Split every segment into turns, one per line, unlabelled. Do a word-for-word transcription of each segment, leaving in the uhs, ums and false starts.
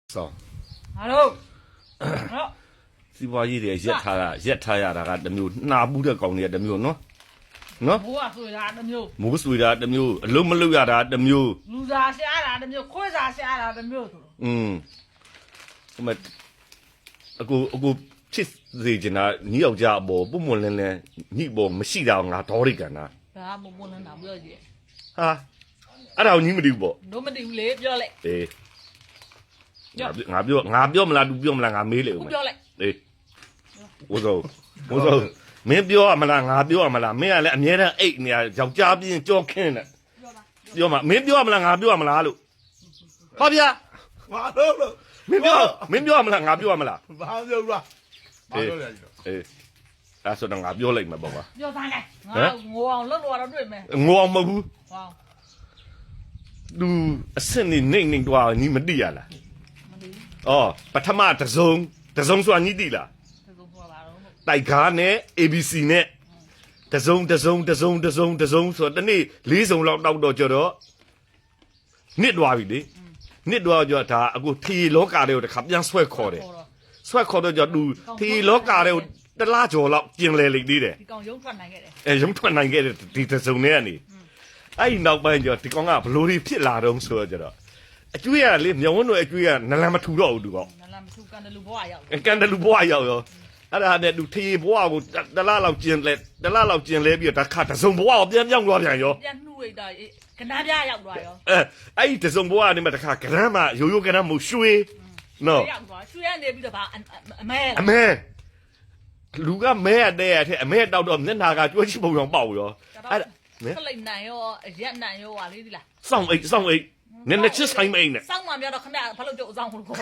ဆောင်
ဟာလို့ဟော
စီးပွားရေးတွေရက်ထားတာရက်ထားရတာကတစ်မျိုးနှာပူးတဲ့ကောင်တွေကတစ်မျိုးနော်နော်
မိုးကဆွေတာတစ်မျိုး
မိုးဆွေတာတစ်မျိုးအလုံးမလုံးရတာတစ်မျိုး
လူစားရှားတာတစ်မျိုးခွေးစားရှားတာတစ်မျိုးဆို
อืมဟိုမအကူအကူချစ်စေချင်တာညီယောက်ျားအပေါ်ပုံမလင်းလင်းညီပေါ်မရှိတာငါဒေါရိကန်တာ
ဒါမှမဟုတ်လည်းတော့ပြောကြည့်
ဟာအဲ့ဒါကိုညီမသိဘူးပေါ့
တို့မသိဘူးလေပြောလိုက်
အေးငါပြောငါပြောမလား तू ပြောမလားငါမေးလေဦး
ပြောလိုက်
အေးဝဇောဝဇောမင်းပြောရမလားငါပြောရမလားမင်းကလည်းအမြဲတမ်းအိတ်နေရယောက်ျားပြင်းကြောခင်းတယ်ပြောပါမင်းပြောရမလားငါပြောရမလားလို့ဟောဗျာ
ဘာလို့လို့
မင်းပြောမင်းပြောရမလားငါပြောရမလား
ဘာပြောလားဘာပြောလဲ
အေးအဲ့ဆိုတော့ငါပြောလိုက်မှာပေါ့ကွာ
ပြောသားလိုက်ငါငိုအောင်လုပ်လို့တော့တွေ့မယ်
ငိုအောင်မဟုတ်ဘူး
ဟော
သူအစနေနေနေတော့ညီမတိရလား
မသိဘူး
အော်ပထမတစုံတစုံဆိုတာညီတိလား
တစုံဆိုတာပါတော့
တိုက်ကားနဲ့ A B C နဲ့တစုံတစုံတစုံတစုံတစုံဆိုတော့တနေ့လေးစုံလောက်တောက်တော့ကြတော့နစ်သွားပြီလေနစ်သွားကြဒါအခုထီလောကတွေကိုတခါပြန်ဆွဲခေါ်တယ်ဆွဲခေါ်တော့ကြသူထီလောကတွေကိုတလားကျော်လောက်ကျင်လဲလိမ့်သေးတယ်
ဒီကောင်ရုံထွက်နိုင်ခဲ့တယ်
အဲရုံထွက်နိုင်ခဲ့တယ်ဒီတစုံနဲ့ကနေအဲ့ဒီနောက်ပိုင်းကျတော့ဒီကောင်ကဘလို့တွေဖြစ်လာတော့ဆိုတော့ကျတော့အကျွေးရလေမြောင်ဝန်းတို့အကျွေးကနလန်မထူတော့ဘူးသူကောင်
နလန်မထူကန်တလူဘွားရောက်
ကန်တလူဘွားရောက်ရောအဲ့ဒါနဲ့သူထေဘွားကိုတလားလောက်ကျင်လဲတလားလောက်ကျင်လဲပြီးတော့တခါတစုံဘွားကိုပြန်ပြောင်းသွားပြန်ရော
ပြန်နှုတ်လိုက်တာကနားပြရောက်သွားရော
အဲအဲ့ဒီတစုံဘွားကနေမှတခါကရမ်းမှရိုးရိုးကရမ်းမရွှေနော်
ရောက်သွားရွှေရနေပြီးတော့ဗာအမဲ
အမဲလူကမဲရတဲ့ရတဲ့အမဲတောက်တော့မျက်နာကကြွှချိပုံအောင်ပေါက်ရော
အဲ့ဒါခလိုက်နိုင်ရောရက်နိုင်ရောဟာလေးဒီလား
စောင့်အိတ်စောင့်အိတ်နည်းနည်းချစ်ဆိုင်မအိတ်နဲ့
စောင့်မှပြောတော့ခမရဘာလို့ကြိုးအဆောင်ကို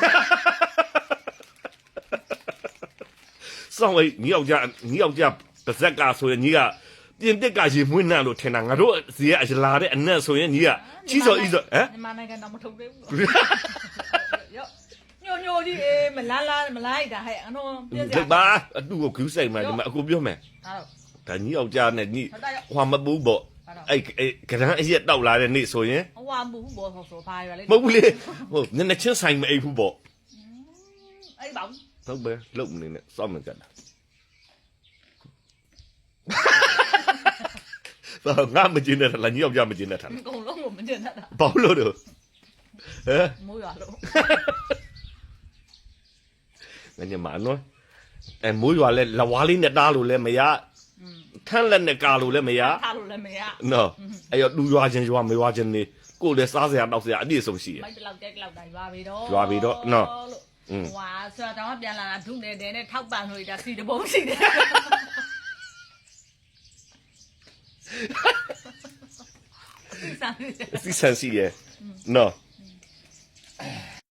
စောင့်အိတ်ညီယောက်ျားညီယောက်ျားပါဇက်ကဆိုရင်ညီကပြင်တက်ကရေမွေးနှံလို့ထင်တာငါတို့စီကအလာတဲ့အနက်ဆိုရင်ညီကကြီးစော်ကြီးစော်ဟမ်
မြန်မာနိုင်ငံတော့မထုတ်သေးဘူးရောညိုညိုကြီးအေးမလားလားမလိုက်တာဟဲ့အတော့ပြည့်စရာ
ဘာအတူကိုခူးဆိုင်မှာဒီမှာအခုပြောမယ်
ဒါတော့
ဒါညီယောက်ျားနဲ့ညီဟွာမပူးပေါ့အဲ့ကရန်အရက်တောက်လာတဲ့နေ့ဆိုရင်
ဟွာမဘူးဘောဆိုဆိုဘာရလဲ
မဟုတ်ဘူးလေဟုတ်နည်းနည်းချင်းဆိုင်မအိပ်ဘူးပေါ့
အဲ့ပါ
ဟုတ်ပဲလုံနေနဲ့စောင့်နေကြတာဘာငါမကျင်းတဲ့လားညီယောက်ျားမကျင်းတဲ့ထား
အကုန်လုံးကိုမကျင်းတဲ့တာ
ဘာလို့တော့ဟဲ့
မိုးရွာလို့
ငါညမနော်အဲမိုးရွာလဲလဝါလေးနဲ့တားလို့လဲမရထန်းလက်နဲ့ကာလို့လဲမရ
ထားလို့လည်းမရ
နော်အဲ့တော့လူရွာချင်းရွာမရွာချင်းနေကိုယ်လည်းစားစရာတောက်စရာအပြည့်စုံရှိရ
မိုက်တလောက်တက်လောက်တိုင်းရွာပြီတော့
ရွာပြီတော့နော်
ဟွာဆိုတော့ပြန်လာတာဒုနေတယ်နဲ့ထောက်ပံ့လို့ဒါစီတဘုံစီတယ်
စီဆန်စီရနော်